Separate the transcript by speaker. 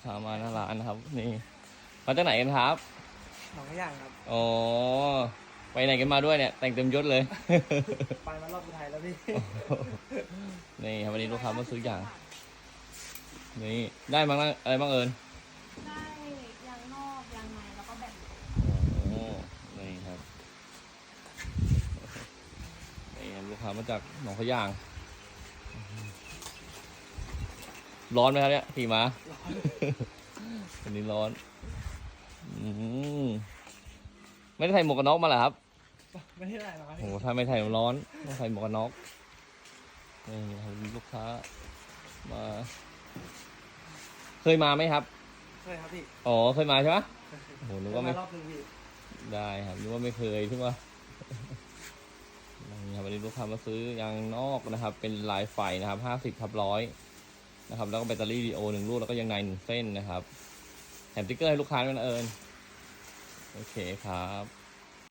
Speaker 1: ค้ามาหน้าร้านนะครับนี่มาจากไหนกันครับ
Speaker 2: หนองขย่างครับ
Speaker 1: อ๋อไปไหนกันมาด้วยเนี่ยแต่งเต็มยศเลย
Speaker 2: ไปมารอบสุดท้ายแล้วพี่
Speaker 1: นี่ครับวันนี้ลูกค้ามาซื้ออย่างนี่ได้บ้างอะไรบ้างเอิญ
Speaker 3: ได้ยางนอกยางในแล้วก็แบ่ง
Speaker 1: โอ้นี่ครับนี่ลูกค้ามาจากหนองขยางร้อนไหมครับเนี่ยขี่ม้าวันนี้ร้อนไม่ได้ใส่หมวกกันน็อกมาเหรอครับ
Speaker 2: ไม่ได้หรอกครับ
Speaker 1: โอ้ถ้าไม่ใส่ร้อนต้องใส่หมวกกันน็อกนี่ครับลูกค้ามาเคยมาไหมครับ
Speaker 2: เคยครับพี่
Speaker 1: อ๋อเคยมาใช่ไหมโอ้โหนึกว่าไม่
Speaker 2: รอบนึงพี่
Speaker 1: ได้ครับนึกว่าไม่เคยใช่ไหมนี่ครับวันนี้ลูกค้ามาซื้อยางนอกนะครับเป็นลายไฟนะครับ50/100นะครับแล้วก็แบตเตอรี่ดีโอ1 ลูกแล้วก็ยางใน1 เส้นนะครับแถมสติ๊กเกอร์ให้ลูกค้าด้วยนะเอิญโอเคครับ